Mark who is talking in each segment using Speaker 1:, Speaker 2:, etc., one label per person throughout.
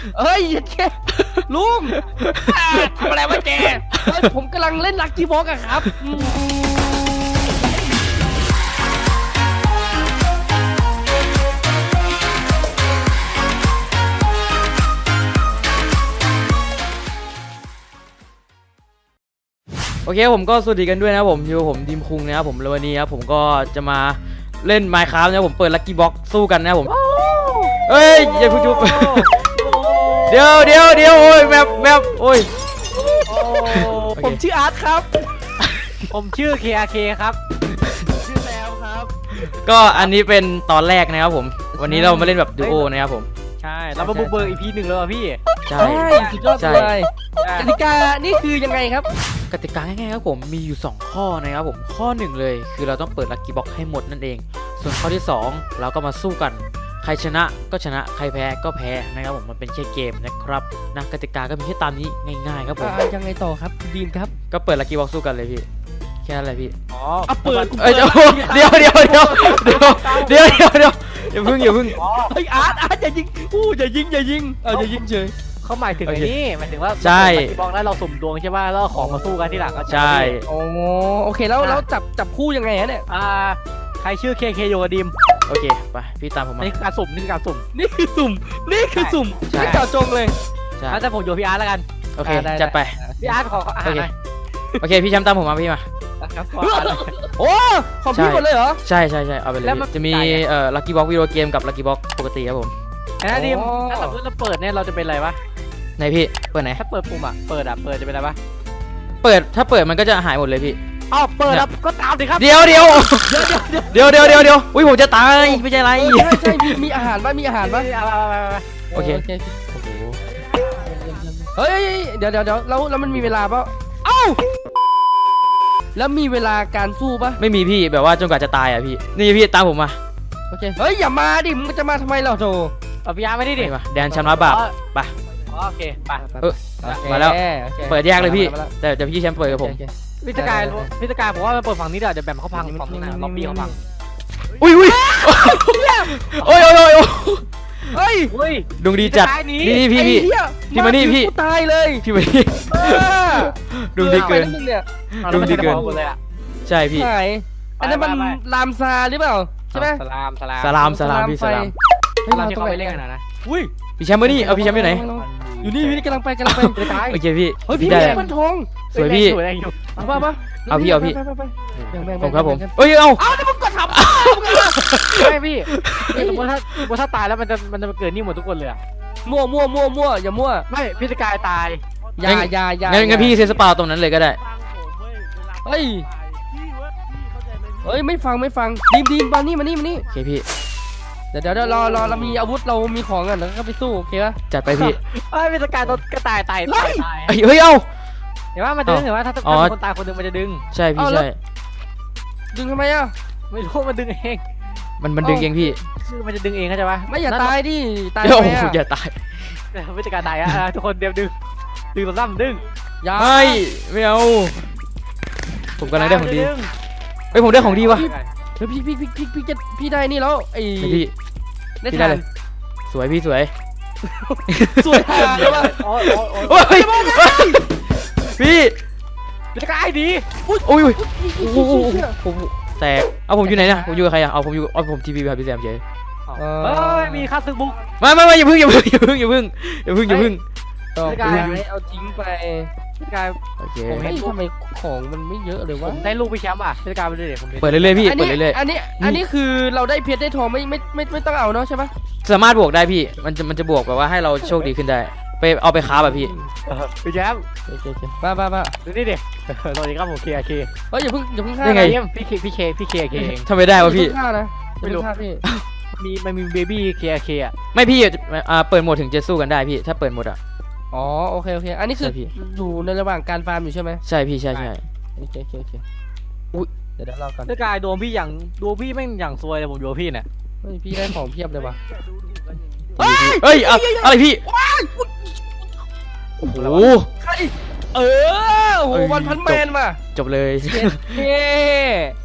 Speaker 1: เอ้ยแกลุงทำอะไรวะแกผมกำลังเล่นลักกี้บ็อกอะครับ
Speaker 2: โอเคผมก็สวัสดีกันด้วยนะผมอยู่ผมดิมคุงนะครับผมวันนี้ครับผมก็จะมาเล่น Minecraft นะผมเปิดลัคกี้บ็อกสู้กันนะผมเฮ้ยอย่าพูดจุ๊บเดี๋ยวโอ้ยแมปโอ้ย
Speaker 1: ผมชื่ออาร์ตครับ
Speaker 3: ผมชื่อ KRK ครับ
Speaker 1: ชื่อแซมครับ
Speaker 2: ก็อันนี้เป็นตอนแรกนะครับผมวันนี้เรามาเล่นแบบดูโอนะครับผม
Speaker 3: ใช่เรามาบุกเบิก EP 1แล้วพี่
Speaker 2: ใช่
Speaker 1: สุดยอดเลยกติกานี่คือยังไงครับ
Speaker 2: กติกาง่ายๆครับผมมีอยู่2ข้อนะครับผมข้อ1เลยคือเราต้องเปิดลัคกี้บ็อกให้หมดนั่นเองส่วนข้อที่2เราก็มาสู้กันใครชนะก็ชนะใครแพ้ก็แพ้นะครับผมมันเป็นแค่เกมนะครับนะกติกาก็มีแค่ตามนี้ง่ายๆครับผม
Speaker 1: ยังไงต่อครับดีมครับ
Speaker 2: ก็เปิดลัคกี้บ็อกสู้กันเลยพี่แค่นั้นแหละพี่
Speaker 3: อ๋อ
Speaker 1: เปิด
Speaker 2: เดี๋ยวอย่าเพิ่ง
Speaker 1: เฮ้ยอาร์ตอย่ายิงอย่ายิงอย่ายิงเฉย
Speaker 3: เขาหมายถึงไอ้นี่หมายถึงว่า
Speaker 2: ใช่
Speaker 3: บอกแล้วเราสุ่มดวงใช่ป่ะแล้วของมาสู้กันที่หลังก็
Speaker 2: ใช่
Speaker 1: โอเคแล้วจับคู่ยังไงฮะเนี่ย
Speaker 3: ใครชื่อ KK โยดิม
Speaker 2: โอเคไปพี่ตามผมมา
Speaker 3: นี่คือการสุ่ม
Speaker 1: นี่คือสุ่มไม่เจาะจงเลย
Speaker 2: ใช่
Speaker 3: แต่ผมโยพี่อาร์ตแล้วกัน
Speaker 2: โอเคจัดไป
Speaker 3: พี่อาร์ตขออาหารหน่อย
Speaker 2: โอเคพี่แชมป์ตามผมมาพี่มา
Speaker 1: โอ้ของพี่หมดเลยเหรอ
Speaker 2: ใช่เอาไปเลยจะมีลัคกี้บ็อกวิดีโอเกมกับลัคกี้บ็อกปกติครับผม
Speaker 3: นะดิมถ้าสมมติเราเปิดเนี่ยเราจะเป็นอะไรวะ
Speaker 2: ไหนพี่เปิดไหน
Speaker 3: ถ้าเปิดปุ่มเปิดจะเป็นอะไรวะ
Speaker 2: ถ้าเปิดมันก็จะหายหมดเลยพี่
Speaker 3: เปิดแล้วก็ตามดิครับ
Speaker 2: เดี๋ยวอุ้ยผมจะตายไม่ใช่ไร
Speaker 1: ใช่มีอาหารป่ะโอเคโอ้โหเฮ้ยเดี๋ยวแล้วมันมีเวลาป่ะแล้วมีเวลาการสู้ป่ะ
Speaker 2: ไม่มีพี่แบบว่าจนกว่าจะตายอ่ะพี่นี่พี่ตามผมมา
Speaker 1: โอเคเฮ้ยอย่ามาดิมึงจะมาทำไมเราโธ่
Speaker 3: พี่อาร์ไม่ได้ดิ
Speaker 2: แดนชำระบาปไป
Speaker 3: โอเคไป
Speaker 2: มาแล้วเปิดแยกเลยพี่แต่พี่แชมป์เปิดกับผม
Speaker 3: พิจารผมว่ามันเปิดฝั่งนี้เดี๋ยวแบมเขาพังฝั่งนี้นะล็อบบี้เขาพัง
Speaker 2: อุ้ยโอ้ยดวงดีจัดนี่พี่มานี่พี่
Speaker 1: ตายเลย
Speaker 2: พี่มานี่ดวงดีเกินใช่พี่
Speaker 1: อันนั้นมันลามซาหรือเปล่าใช่ไหม
Speaker 2: สลามพี่สลาม
Speaker 3: เราที่เขาไปเล่นกันนะ
Speaker 2: พี่แชมป์มานี่เอาพี่แชมป์อยู่ไหน
Speaker 1: อยู่นี่กำลังไป
Speaker 2: โอเคพี่
Speaker 1: เฮ้ยพี่ได้พันทอง
Speaker 2: สวยพี่
Speaker 1: มา
Speaker 2: เอาพี่ผมครับผมเอ้ยเอา
Speaker 1: แต่มึงกดทับ
Speaker 3: ไม่พี่สมมติถ้าตายแล้วมันจะเกิดนี่หมดทุกคนเลย
Speaker 1: มั่วอย่ามั่ว
Speaker 3: ไม่พิจารตาย
Speaker 1: อย่า
Speaker 2: งั้นพี่เซสปาตรงนั้นเลยก็ได้
Speaker 1: เฮ้ยไม่ฟังดีมมานี่
Speaker 2: โอเคพี่
Speaker 1: เดี๋ยวรอเรามีอาวุธเรามีของกันแล้วก็ไปสู้โอเคป่ะ
Speaker 2: จัดไปพี่
Speaker 3: พิจารโดนกระต่ายตาย
Speaker 2: เฮ้ยเอา
Speaker 3: เห็นว่ามันดึงเห็นว่าถ้าคนตายคนนึงมันจะดึง
Speaker 2: ใช่พี่ใช่
Speaker 1: ดึงทำไมอ่ะ
Speaker 3: ไม่รู้มันดึงเอง
Speaker 2: มันดึงเองพี่
Speaker 3: คือมันจะดึงเองเข้าใจปะ
Speaker 1: ไม่อย่าตายดิตาย
Speaker 2: อย่าตาย
Speaker 3: พิจารตายทุกคนเดี๋ยวดึงตัวซ้ำดึง
Speaker 2: ไม่เอาผมกำลังได้ของดีเฮ้ยผมได้ของดีวะ
Speaker 1: เฮ้ยพี่ได้นี่แล้วไอ้
Speaker 2: พี่ได้เลยสวยพี่สวย
Speaker 1: ใช่ป่ะ
Speaker 2: พี่
Speaker 3: จะกลายดี
Speaker 2: อุ้ยผมแตกเอาผมอยู่ไหนเนี่ยผมอยู่กับใครอ่ะเอาผมทีวีแบบพี่แซมเฉย
Speaker 3: มีค่าซื้อบุ๊ก
Speaker 2: ไม่อย่าพึ่ง
Speaker 1: ต่อไปเอาทิ้งไปพี่กาย
Speaker 2: โอเค
Speaker 1: ผมเห็นทำไมของมันไม่เยอะเลยวะ
Speaker 3: ได้ลูกพี่แชมป์พี่กายไปเลย
Speaker 2: เปิดเรื่อยๆพี่เปิดเรื่อย
Speaker 1: ๆอันนี้คือเราได้เพชรได้ทองไม่ต้องเอาเนาะใช่ปะ
Speaker 2: สามารถบวกได้พี่มันจะบวกแบบว่าให้เราโชคดีขึ้นได้ไปเอาไปค้าแบบพี่
Speaker 3: แชมป์
Speaker 1: บ้า
Speaker 3: ดูนี่ดิสวัสดีครับผมKK
Speaker 1: เฮ้ยอย่าเพิ่งฆ่า
Speaker 2: ได้ไง
Speaker 3: พี่เคเอง
Speaker 2: ทำไม่ได้วะพี่
Speaker 1: ฆ่านะไม่รู้พี่
Speaker 3: มันมีเบบี้KK
Speaker 2: ไม่พี่เปิดโหมดถึงจะสู้กันได้พี่ถ้าเปิดโหมด
Speaker 1: อ๋อโอเคอันนี้คืออยู่ในระหว่างการฟาร์มอยู่ใช่ไหม
Speaker 2: ใช่พี่ใช่
Speaker 1: โอเค
Speaker 2: อุ้ย
Speaker 1: เดี๋ยวเรากัน
Speaker 3: พี่กายโดนพี่แม่งอย่างซวยเลยผมโดนพี่เนี่ย
Speaker 1: พี่ได้ของเพียบเลยว่ะ
Speaker 2: เฮ้ยอะไรพี่โอ้โห
Speaker 1: โอ้โหวันพันแมนว่ะ
Speaker 2: จบเลย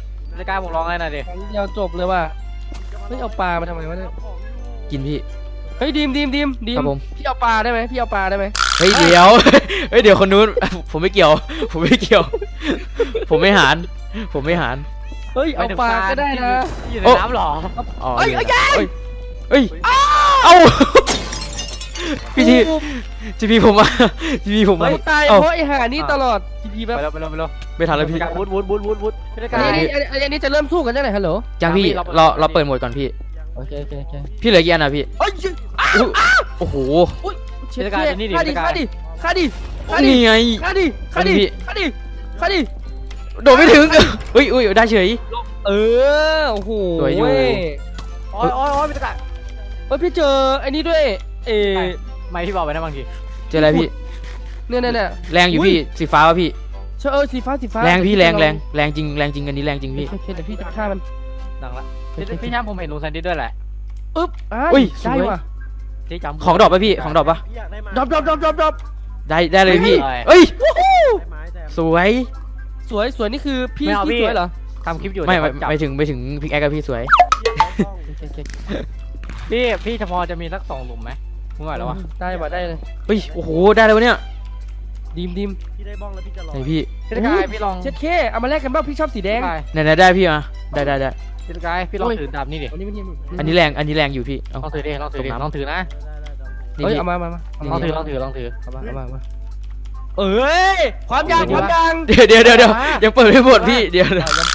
Speaker 3: พี่กายผมร้องไห้หน่อยดิ
Speaker 1: เดียวจบเลยว่ะไม่เอาปลามาทำไมวะเนี่ย
Speaker 2: กินพี่
Speaker 1: เฮ้ยดีม
Speaker 2: ครับผม
Speaker 1: พี่เอาปลาได้ไหมพี่เอาปลาได้ไหม
Speaker 2: เฮ้ยเดี๋ยวเฮ้ยเดี๋ยวคนนู้นผมไม่เกี่ยว ผมไม่เกี่ยว ผมไม่หาร
Speaker 1: เฮ้ยเอาปลาก็ได้นะ
Speaker 3: อยู่ในน้ำหรอ
Speaker 2: อ๋อ
Speaker 1: เอ้ย
Speaker 2: เอ้ยเอ้าพี่ทีพีผมมาทีพีผมมา
Speaker 1: เฮ้ยตาย
Speaker 2: เอ้า
Speaker 1: เพราะไอ้ห่านี่ตลอดทีแบบ
Speaker 3: ไปแล้ว
Speaker 2: ไม่ทันแล้วพี่
Speaker 3: วุดพี่ตะกา
Speaker 1: อันนี้จะเริ่มสู้กันได้ไหนฮัลโหล
Speaker 2: ยังพี่เราเปิดโหมดก่อนพี่
Speaker 1: โอเค
Speaker 2: พี่เหลือกี่อันอ่ะพี่
Speaker 1: เอ้ย
Speaker 2: โอ้โห
Speaker 1: เช็ดฆ่าดิ
Speaker 2: นี่ไง
Speaker 1: ฆ่าดิ
Speaker 2: โดดไม่ถึงอุ้ยได้เฉย
Speaker 1: โอ้โห
Speaker 2: สวยอยู่
Speaker 3: โอ้ยพี่ตะกา
Speaker 1: เฮ้ยพี่เจอไอ้นี่ด้วย
Speaker 3: ไม่พี่บอกไปนะบางที
Speaker 2: เจออะไรพี่
Speaker 1: เนี่ย
Speaker 2: แรงอยู่พี่สีฟ้าวะพี่
Speaker 1: สีฟ้า
Speaker 2: แรงพี่แรงจริงอันนี้แรงจริงพี่
Speaker 1: โอเคเดี๋ยวพี่จะฆ่ามัน
Speaker 3: ดังละพี่ช้างผมเห็นลุงแซนดี้ด้วยแหละ
Speaker 1: อึ๊บ
Speaker 2: อุ้ย
Speaker 1: ได้ว่ะ
Speaker 3: ที่จำ
Speaker 2: ของดรอปป่ะพี่ของดรอปป่ะ
Speaker 1: ดรอป
Speaker 2: ได้เลยพี่
Speaker 3: ได้
Speaker 2: เอ้ยสวย
Speaker 1: สวยนี่คือพี่สวยเหรอ
Speaker 3: ทำคลิปอยู่
Speaker 2: ไม่ไปถึงพิกแอคกับพี่สวย
Speaker 3: พี่เฉพาะจะมีสัก2 หลุมไหมมึงไหวแล้ววะ
Speaker 1: ได้เลย
Speaker 2: เฮ้ยโอ้โหได้เลยวะเนี่ย
Speaker 1: ดีม
Speaker 4: พี่ได้บ้องแล้วพี่จะรอ
Speaker 2: ไหนพี่
Speaker 3: พี่ตะกาพี่ลอง
Speaker 1: เช็ดเคเอามาแลกกันบ้างพี่ชอบสีแดง
Speaker 2: ไหนได้พี่มาได้
Speaker 3: พี่ตะกาพี่ลองถือดาบนี่ดิ
Speaker 1: อันนี้
Speaker 2: อันนี้แรงอยู่พี่เอา
Speaker 3: ลองถือดิลองถือนะ
Speaker 2: นี่
Speaker 1: เฮ้ย
Speaker 2: พี่
Speaker 1: เอามา
Speaker 3: ลองถือ
Speaker 1: เอามาเอ้ยความยาง
Speaker 2: เดี๋ยวยังเปิดไม่หมดพี่เดี๋ยว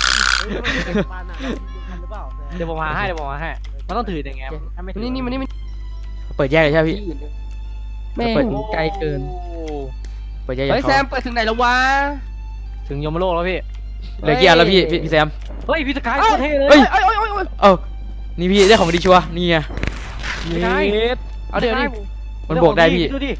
Speaker 3: เดี๋ยวผมหาให้มันต้องถืออย่างเงี้ยถ้าไม่ถือ
Speaker 1: นี่มัน
Speaker 2: เปิดแยกเลยใช่ไหมพี่
Speaker 1: แม่งไกลเกิน
Speaker 2: เปิดแยก
Speaker 1: เฮ้ย
Speaker 2: เขา
Speaker 1: แซมเปิดถึงไหนแล้ววะ
Speaker 3: ถึงยมโลกแล้วพี่
Speaker 2: เหลือกี่อันแล้วพี่แซม
Speaker 3: เฮ้ยพี่ตะกาโคตรเท่เลย
Speaker 2: เฮ้ยเอ้านี่พี่ได้ของดีชัวร์นี่ไง
Speaker 1: เอาเดี๋ยวดิ
Speaker 2: มันบวกได้พี่
Speaker 3: ดูดิ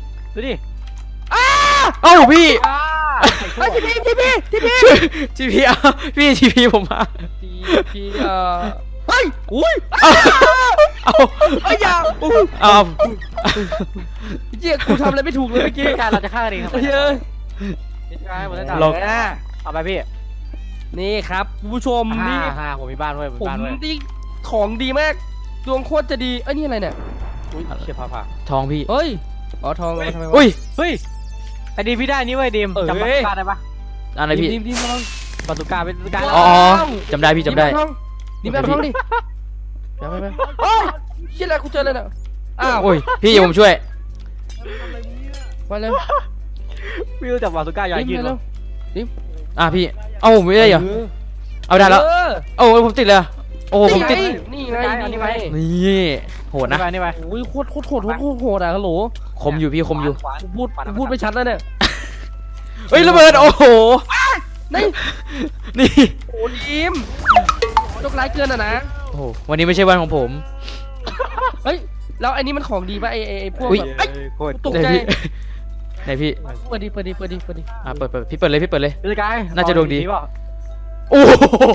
Speaker 2: เอ้าพี่
Speaker 1: เฮ้ยทีพี
Speaker 2: จีพีพี่จีพีผมมา
Speaker 1: ทีเฮ้ยอุ้ย
Speaker 2: เอ้า
Speaker 1: เฮ้ยอย่า
Speaker 2: เอา
Speaker 1: เจี๊ยกูทำอะไรไม่ถูกเลยเมื่อกี้
Speaker 3: พี่การเราจะฆ่ากันเองครับ
Speaker 1: เฮ้ย
Speaker 3: พี่ตะกาหมดแล้วจ้า
Speaker 2: ลอง
Speaker 3: เอาไปพี่
Speaker 1: นี่ครับผู้ชมนี่
Speaker 3: ผมมีบ้านด้วย
Speaker 1: ผมนี่ของดีมากดวงโคตรจะดีเอ้ยนี่อะไรเนี่ย
Speaker 3: อุ้ยเชี่ยผ่า
Speaker 2: ทองพี่
Speaker 1: เฮ้ยอ๋อทองทำไมวะ
Speaker 2: อุ้ย
Speaker 3: เฮ้ยไอ้ดีพี่ได้นี่เว้ยดีมจำปาตุกาได้ปะ
Speaker 2: อะไรพี่
Speaker 1: ดีมลอง
Speaker 3: ปาตุกาเป็นปาตุกา
Speaker 2: อ๋อจำได้พี่จำได้
Speaker 1: ดีมเอาทองดิไปโอ้ยเชี่ยอะไรกูเจอเลยน่ะอ้าว
Speaker 2: โอ้ยพี่อย่าผมช่วย
Speaker 1: มาเร็ว
Speaker 3: พี่รู้จักปาตุกาใหญ่ยืน
Speaker 1: เร็ว
Speaker 2: พี่เอ้าผมไม่ได้เหรอเอาได้แล้วโอ้ผมติดเลยโอ้ผมติด
Speaker 1: นี่ไงนี่ไง
Speaker 2: นี่โหดนะ
Speaker 3: นี่ไป
Speaker 1: โอ้ยโคตรโหดอ่ะฮัลโหล
Speaker 2: คมอยู่พี่คมอยู่
Speaker 1: พูดไม่ชัดแล้วเนี่ย
Speaker 2: เฮ้ยระเบิดโอ้โห
Speaker 1: นี่
Speaker 2: นี่
Speaker 1: โอ้ดีมยกร้ายเกินอ่ะนะ
Speaker 2: โอ้โหวันนี้ไม่ใช่วันของผม
Speaker 1: เฮ้ยแล้วไอ้นี่มันของดีป่ะไอ้พวก
Speaker 2: อุ๊ย
Speaker 1: แบบ
Speaker 3: โคตร
Speaker 1: ตกใจ
Speaker 2: ไหนพี่
Speaker 1: เปิดดิ
Speaker 2: เปิดพี่เปิดเลย
Speaker 3: ปาตุกา
Speaker 2: น่าจะดวงดี
Speaker 3: เปล่า
Speaker 2: โอ้โห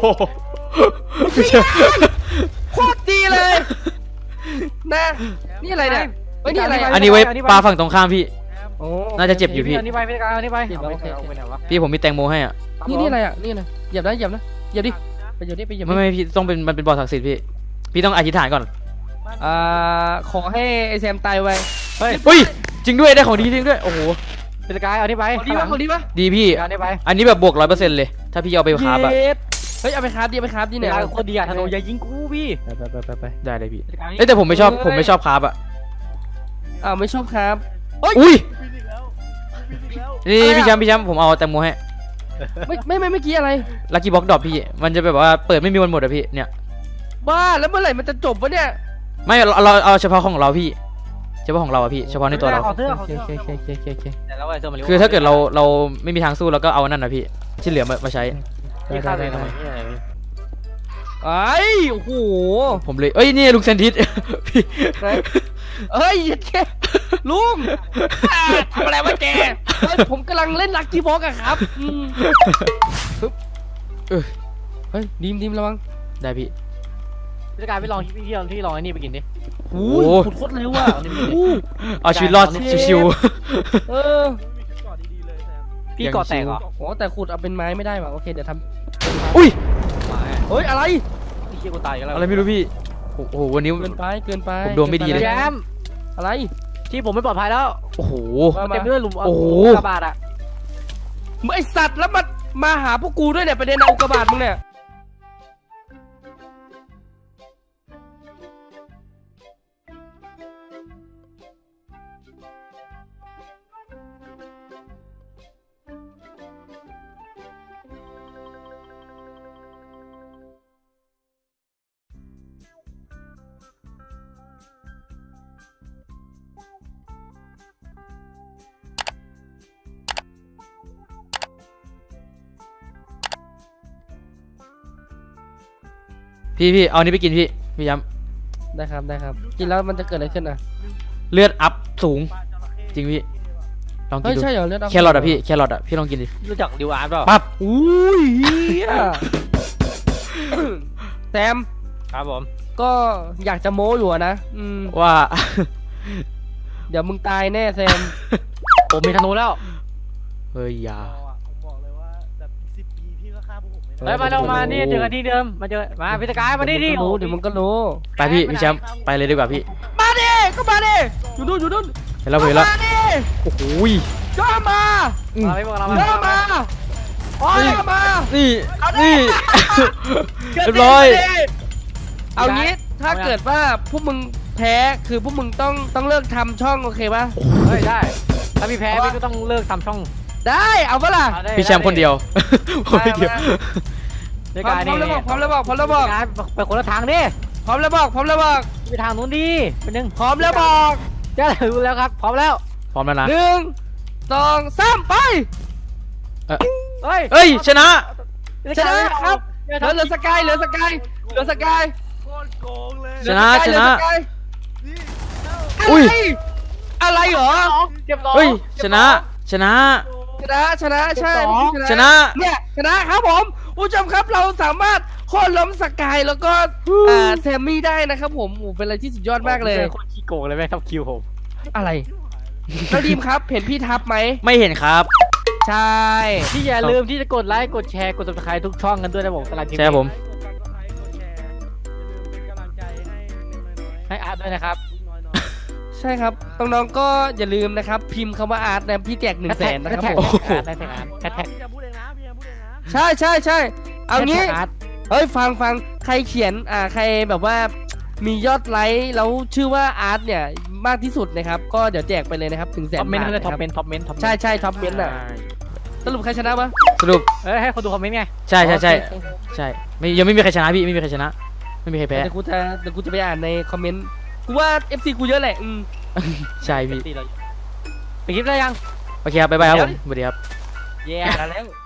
Speaker 1: โคตรดีเลยนะนี่อะไรเนี่ยเฮ้ยนี่อะไร
Speaker 2: อันนี้ไว้ปลาฝั่งตรงข้ามพี่
Speaker 1: โอ้
Speaker 2: น่าจะเจ็บอยู่พี่
Speaker 3: อันนี้ไปพี่ตะกาอันนี้ไป
Speaker 1: เจ็บแล้วโอเค
Speaker 3: เอาไปไหนวะ
Speaker 2: พี่ผมมีแตงโมให้อ่ะ
Speaker 1: นี่อะไรอ่ะนี่นะเหยียบนะเหยียบดิไปเหยียบดิ
Speaker 2: ไม่พี่ต้องเป็นมันเป็นบ่อศักดิ์สิทธิ์พี่ต้องอธิษฐานก่อน
Speaker 1: ขอให้ไอแซมตายไว
Speaker 3: เฮ้ย
Speaker 2: อุ้ยจริงด้วยได้ของดีจริงด้วยโอ้โห
Speaker 3: พี่ตะกาอันนี้ไป
Speaker 1: ดีป่ะดีป่ะ
Speaker 2: ดีพี่
Speaker 3: อันนี้ไป
Speaker 2: อันนี้แบบบวก100%เลยถ้าพี่เอาไปคราฟอะ
Speaker 1: เฮ้ยเอาไปคราฟดิ
Speaker 3: เนี่
Speaker 1: เนี่ย ย
Speaker 3: โคตรดีอะธนูอย่ายิงกูพี่
Speaker 1: ไป
Speaker 2: ได้เลยพี่เอ้ยแต่ผมไม่ชอบคราฟอะ
Speaker 1: ไม่ชอบครับ
Speaker 2: อุ้ย
Speaker 4: พี่อีกแล้ว
Speaker 2: นี่พี่แชมป์ผมเอาแตงโมให้
Speaker 1: ไม่เมื่อกี้อะไร
Speaker 2: ลัคกี้บ็อกดรอปพี่มันจะแบบว่าเปิดไม่มีวันหมดอะพี่เนี่ย
Speaker 1: บ้าแล้วเมื่อไหร่มันจะจบวะเนี่ย
Speaker 2: ไม่เราเอาเฉพาะของเราพี่เฉพาะของเราอะพี่เฉพาะในตัวเรา
Speaker 3: ขอเสื้อ
Speaker 1: โอเค
Speaker 3: แต่แล้วไอ้เสื้อมัน
Speaker 2: คือถ้าเกิดเราไม่มีทางสู้เราก็เอานั่นนะพี่ที่เหลือมาใช้
Speaker 3: พี่ฆ่าตัวเองทำไมพี่อะไร
Speaker 1: ไอ้โอ้โห
Speaker 2: ผมเลยเอ้ยนี่ลุงเซนทิส พี่
Speaker 1: เฮ้ยแกลุงทำอะไรวะแกผมกำลังเล่นลักกี้บ็อกอะครับเฮ้ยดีมระวัง
Speaker 2: ได้พี่
Speaker 3: พี่ตะกาพี่ลองที่ลองไอ้นี่ไปกินดิ
Speaker 1: โอ้ขุดโคตรเร็วอะ
Speaker 2: เอาชีวิตรอดชิว
Speaker 1: เออ
Speaker 3: พี่ก่อแตกเหรอ
Speaker 1: โอ้แต่ขุดเอาเป็นไม้ไม่ได้ว่ะโอเคเดี๋ยวท
Speaker 2: ๆอุ้ย
Speaker 1: ำเฮ้ยอะไร
Speaker 3: พี่เชี่ยกูตายกันแล้ว
Speaker 2: อะไรไม่รู้พี่โอ้โหวันนี้
Speaker 1: เกินไป
Speaker 2: ผมดวงไม่ดีเลย
Speaker 3: แจม
Speaker 1: อะไร
Speaker 3: ที่ผมไม่ปลอดภัยแล้ว
Speaker 2: โอ้โห
Speaker 1: มา
Speaker 3: เต็มไปด้วยหลุม
Speaker 2: โอ้โห
Speaker 3: กระบาดอ่ะ
Speaker 1: ไอสัตว์แล้วมาหาพวกกูด้วยเนี่ยประเด็นเอาอุกกาบาตมึงเนี่ย
Speaker 2: พี่เอาอันนี้ไปกินพี่ย้
Speaker 1: ได้ครับได้ครับกินแล้วมันจะเกิดอะไรขึ้นอ่ะ
Speaker 2: ำเลือดอัพสูง จริงพี่ลองกิ
Speaker 1: เฮ้
Speaker 2: น
Speaker 1: ย
Speaker 2: ดู
Speaker 1: ใช่เหรอเลือด
Speaker 2: แครอทอะพี่แครอทอะพี่ลองกินดิ
Speaker 3: รู้จักดิวอาร์ตเปล่า
Speaker 2: ปั๊บ
Speaker 1: อุ้ยเฮียแซม
Speaker 3: ครับผม
Speaker 1: ก็อยากจะโม้อยู่อะนะ
Speaker 2: ว่า
Speaker 1: เดี๋ยวมึงตายแน่แซม
Speaker 3: ผมมีธนูแล้ว
Speaker 2: เฮ้ยอยา
Speaker 4: ผมบอกเลยว่าแบบอีก10 ปีพี่ก็ฆ่าพวกผมไม่ได้
Speaker 3: เฮ้ยมาเรามานี่เจอกันที่เดิมมาเจอมาพิธกายมานี่ดิ
Speaker 1: เดี๋ยวมึงก็รู้
Speaker 2: ไปพี่แชมป์ไปเลยดีกว่าพี่
Speaker 1: มาดิก็มาดิอยู่นู่นอยู่นู่น
Speaker 2: เห็นแล้วเห็นแล้ว
Speaker 1: มาดิ
Speaker 2: โอ้โหย
Speaker 1: ย่อมา
Speaker 3: มาไม่บอกเรา
Speaker 1: ย่อมาย่อมา
Speaker 2: นี่
Speaker 1: เอาดิ
Speaker 2: นี่ เรียบร้อย
Speaker 1: เอางี้ถ้าเกิดว่าพวกมึงแพ้คือพวกมึงต้องเลิกทำช่องโอเคป่ะ
Speaker 3: เฮ้ยได้ถ้าพี่แพ้พี่ก็ต้องเลิกทำช่อง
Speaker 1: ได้เอาปะล่ะ
Speaker 2: พี่แชมป์คนเดียวผมไม่เกี่ยว
Speaker 3: พิธ
Speaker 1: พร้อม
Speaker 3: กาย
Speaker 1: พร้อ
Speaker 3: นี่
Speaker 1: มแล้วบอกพร้อมแล้วบอกพร้อมแล้วบอก
Speaker 3: ไปคนละทางดิ
Speaker 1: พร้อมแล้วบอกพร้อมแล้วบอก
Speaker 3: ไปทางนู้นดิเป็นหนึ่ง
Speaker 1: พร้อมแล้วบอก
Speaker 3: ได้รู้แล้วครับพร้อมแล้ว
Speaker 2: พร้อมแล้วนะ
Speaker 1: 1 2 3ไป
Speaker 3: เฮ้ย
Speaker 2: เอ้ยชนะ
Speaker 1: ชนะครับเหลือสกายเหลือสกายเหลือสกาย
Speaker 4: โคตรโกงเลย
Speaker 2: ชนะ
Speaker 1: เหลือสกาย
Speaker 4: นี่
Speaker 2: อุ้ย
Speaker 1: อะไรเหรอ
Speaker 3: เก็บสอง
Speaker 2: เฮ้ยชนะชนะ
Speaker 1: ชนะใช่
Speaker 2: ชนะ
Speaker 1: เนี่ยชนะครับผมผู้ชมครับเราสามารถโค่นล้มสกายแล้วก็แซมมี่ได้นะครับผมโอ้เป็นอะไรที่สุดยอดมากเลย
Speaker 3: โคตรขี้โกงเลยแม่งทับคิวผม
Speaker 1: อะไรแล้วดีมครับเห็นพี่ทับไหม
Speaker 2: ไม่เห็นครับ
Speaker 1: ใช่
Speaker 3: ที่อย่าลืมที่จะกดไลค์กดแชร์กด subscribe ทุกช่องกันด้วยนะผมสำหรับทีม
Speaker 2: ใช่ครับผม
Speaker 4: กด subscribe กดแชร์อย่าลืมเป็นกำลังใจให้เล็กๆน้อยๆ
Speaker 3: ให้อาร์ตด้วยนะครับ
Speaker 4: ลูกน้อย
Speaker 1: ใช่ครับน้องๆก็อย่าลืมนะครับพิมพ์คำว่าอาร์ตนะพี่แจก100,000นะครับผม
Speaker 3: อาร์ตได้แท็กอาร์ต
Speaker 4: ๆ
Speaker 3: แท็ก
Speaker 4: พี่จะพูดเองนะพี่จะพูดเองนะ
Speaker 1: ใช่เอางี้
Speaker 3: อาร์ต
Speaker 1: เฮ้ยฟังใครเขียนใครแบบว่ามียอดไลค์แล้วชื่อว่าอาร์ตเนี่ยมากที่สุดนะครับก็เดี๋ยวแจกไปเลยนะครับถึง100,000
Speaker 3: ท็อปเมนต์
Speaker 1: บาท
Speaker 3: เลย
Speaker 1: นะค
Speaker 3: ท็อป
Speaker 1: รับ
Speaker 3: เมนต์ท็อปเมนต์
Speaker 1: ใช่ท็อปเมนต์อ่ะสรุปใครชนะปะ
Speaker 2: สรุป
Speaker 3: เอ้ยให้คนดูคอมเมนต์ไง
Speaker 2: ใช่ใช่ไม่ยังไม่มีใครชนะพี่ไม่มีใครชนะ ไม่มีใครแพ้
Speaker 1: เดี๋ยวกูจะไปอ่านในคอมเมนต์กูว่า FC กูเยอะแหละ
Speaker 2: ใช่พี่
Speaker 3: ตีเราไปคลิปได้ยัง
Speaker 2: โอเคครับบ๊ายบายครับผมสวัสดีครับ
Speaker 3: เย้แล้ว